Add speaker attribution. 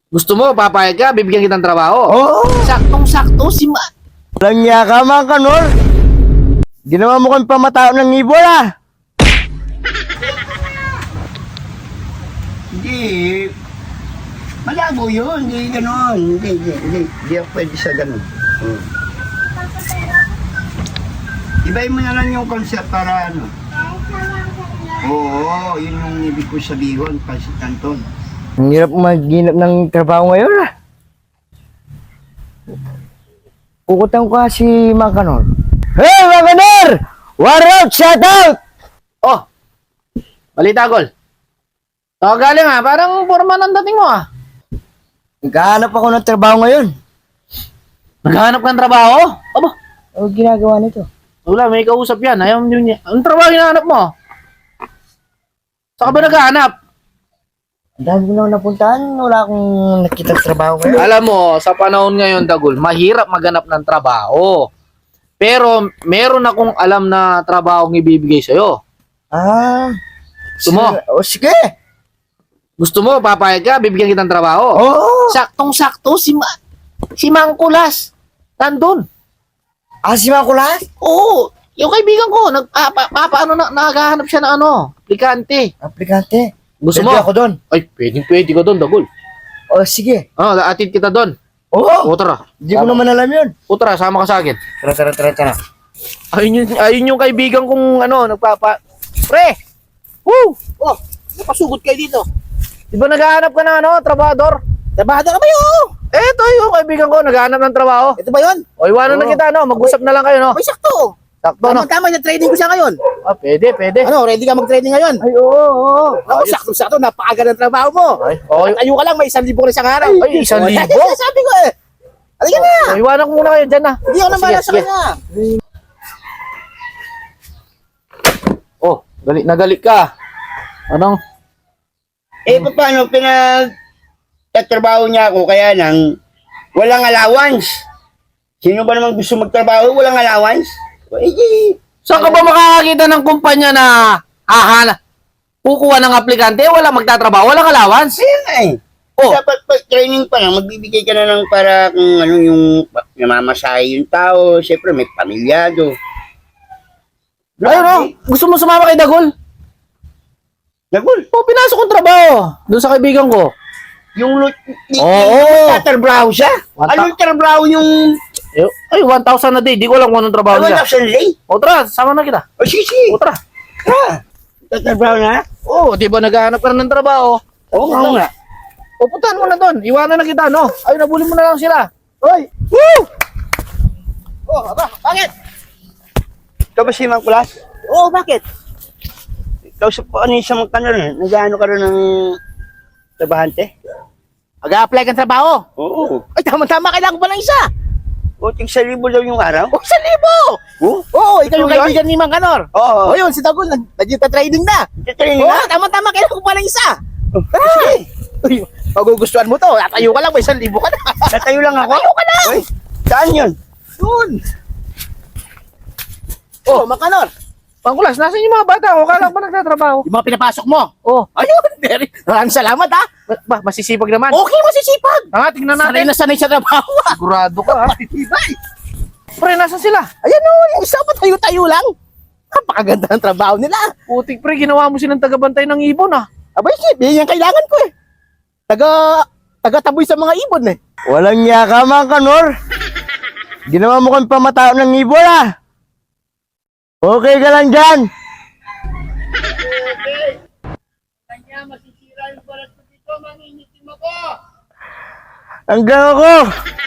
Speaker 1: Gusto mo, papayag ka, bibigyan kitang trabaho.
Speaker 2: Oo.
Speaker 1: Saktong-sakto si Ma...
Speaker 2: Walang niya ka, mga kanor. Ginawa mo kang pamatao ng ibon, ah.
Speaker 3: Hindi. Malabo yun. Hindi ganon. Hindi ako pwede sa ganon. Ibahin mo na lang yung concept para ano. Oo, yun yung ibig ko sabihin, Pansit Canton.
Speaker 2: Ang hirap maghinap ng trabaho ngayon, ah. Kukutang ko si mga kanor. Hey, mga kanor! War out, shout out!
Speaker 1: Oh! Balita, Gol. Oh, galing ah. Parang forma ng dating mo ah.
Speaker 2: Naghahanap ako ng trabaho ngayon.
Speaker 1: Naghahanap ka ng trabaho? Aba,
Speaker 2: Ano ginagawa nito?
Speaker 1: wala, may kausap yan. Ayaw nyo niya. Anong trabaho hinahanap mo? Saan ka ba naghahanap?
Speaker 2: Ang dami ko nang napuntahan. Wala akong nakita trabaho ngayon.
Speaker 1: Alam mo, sa panahon ngayon, Dagul, mahirap maghanap ng trabaho. Pero meron akong alam na trabaho ang ibibigay sa'yo.
Speaker 2: Ah.
Speaker 1: Gusto mo?
Speaker 2: O sige.
Speaker 1: Gusto mo, papayag ka, bibigyan kitang trabaho.
Speaker 2: Oo.
Speaker 1: Saktong-sakto si Mang Kulas. Nandun.
Speaker 2: Ah, si mga kulas?
Speaker 1: Oo, yung kaibigan ko, paano naghahanap siya ng ano, aplikante.
Speaker 2: Aplikante.
Speaker 1: Gusto
Speaker 2: Pwede
Speaker 1: mo?
Speaker 2: ako doon.
Speaker 1: Ay, pwede ka doon, Dagul.
Speaker 2: O sige.
Speaker 1: Oh, atid kita doon.
Speaker 2: Oo.
Speaker 1: O, tara.
Speaker 2: Hindi ko naman alam yun.
Speaker 1: O, tara, sama ka sa akin.
Speaker 2: Tara.
Speaker 1: Ayun yung kaibigan kong ano, Pre! Woo! Oh, napasugod kayo dito. Di ba naghahanap ka ng ano, trabador?
Speaker 4: Trabahador ka ba yun?
Speaker 1: Eto yung kaibigan ko, naghahanap ng trabaho.
Speaker 4: Ito ba yun?
Speaker 1: O, iwanan na kita, no? Mag-usap na lang kayo, no?
Speaker 4: May sakto.
Speaker 1: Sakto, no?
Speaker 4: Tama, na-training ko siya ngayon.
Speaker 1: Ah, pwede.
Speaker 4: Ano, ready ka mag-training ngayon?
Speaker 1: Ay, oo.
Speaker 4: Ako, sakto, napakaganda ng trabaho mo.
Speaker 1: Ay, okay.
Speaker 4: Tayo ka lang, may 1,000 ko na isang araw.
Speaker 1: Ay, 1,000?
Speaker 4: Sabi ko eh. Halika na.
Speaker 1: O, iwanan ko muna kayo dyan, na.
Speaker 4: Hindi ako nang
Speaker 1: Sige,
Speaker 4: bahala sa
Speaker 1: sige.
Speaker 4: kanya.
Speaker 1: Oh, galit ka. Anong?
Speaker 3: Paano pinagtatrabaho niya ako kaya nang walang allowance? Sino ba naman gusto magtrabaho walang allowance?
Speaker 1: Saan ka ba makakakita ng kumpanya na kukuha ng aplikante, walang magtatrabaho, walang allowance?
Speaker 3: Kaya nga eh.
Speaker 1: Oh.
Speaker 3: Dapat pag training pa lang, magbibigay ka na ng para kung ano yung namamasahe yung tao. Siyempre may pamilyado.
Speaker 1: Ayun, no? Gusto mo sumama kay Dagol?
Speaker 3: Dagul,
Speaker 1: O, pinasok kong trabaho. Doon sa kaibigan ko.
Speaker 3: yung
Speaker 1: Oo.
Speaker 3: tatrabaho siya?
Speaker 1: Wanta-
Speaker 3: Anong trabaho yung
Speaker 1: Ay, 1,000 na day. Di ko alam kung anong trabaho niya.
Speaker 3: 1,000 lay?
Speaker 1: O, tara, sama na kita.
Speaker 3: O sige,
Speaker 1: O, tara.
Speaker 3: tatrabaho na?
Speaker 1: O, di ba naghahanap ka na ng trabaho?
Speaker 3: Oo nga.
Speaker 1: O, puntahan mo na doon. Iwanan na kita, no? Ay, nabulin mo na lang sila.
Speaker 3: Hoy,
Speaker 4: Oh, aba, bakit?
Speaker 3: ikaw ba si Mang Kulas?
Speaker 4: Oo, bakit?
Speaker 3: Ikaw sa ano yung isang magkano nag-ano ka rin ng trabahante?
Speaker 4: Mag-a-apply kang trabaho.
Speaker 3: Oo.
Speaker 4: Ay, tama-tama, kailangan ko pa ng isa.
Speaker 3: O, tig 1,000 daw yung araw?
Speaker 4: Oh, 1,000!
Speaker 3: Oo.
Speaker 4: Oo, ikaw yung
Speaker 3: Ito yun?
Speaker 4: kaibigan ni Mang Kanor.
Speaker 3: Oo.
Speaker 4: Oh, yun, si Dagul, nag-training na.
Speaker 3: Training
Speaker 4: Oo,
Speaker 3: na?
Speaker 4: tama-tama, kailangan ko pa ng isa.
Speaker 3: Sige.
Speaker 4: Uy, magugustuhan mo to. Tatayo ka lang, may 1,000 ka na.
Speaker 3: Tatayo lang ako?
Speaker 4: Tatayo ka lang.
Speaker 3: Uy, saan yun?
Speaker 4: Yun. Oh, Mang Kanor,
Speaker 1: Pangkulas, nasan yung mga bata? O, kala ba nagtatrabaho?
Speaker 4: yung mga pinapasok mo.
Speaker 1: O,
Speaker 4: Ayun, very. Maraming salamat, ha.
Speaker 1: masisipag naman.
Speaker 4: Okay, masisipag.
Speaker 1: Tingnan
Speaker 4: Sanay
Speaker 1: natin.
Speaker 4: na sanay sa trabaho, ha.
Speaker 1: Sigurado ka, ha?
Speaker 4: Matitibay.
Speaker 1: Pre, nasan sila?
Speaker 4: Ayan o, yung isa pa tayo-tayo lang. Napakaganda ng trabaho nila.
Speaker 1: Putik, pre, ginawa mo silang tagabantay ng ibon, ah.
Speaker 4: Abay, shit, yan yung kailangan ko eh. Taga-taboy sa mga ibon eh.
Speaker 2: Walang niya ka, mga kanor. Ginawa mo kang pamatao ng ibon, ah. Okay ka lang dyan.
Speaker 3: Kanya masisira yung balat ko dito, mangingitim ako.
Speaker 2: Hanggang ako.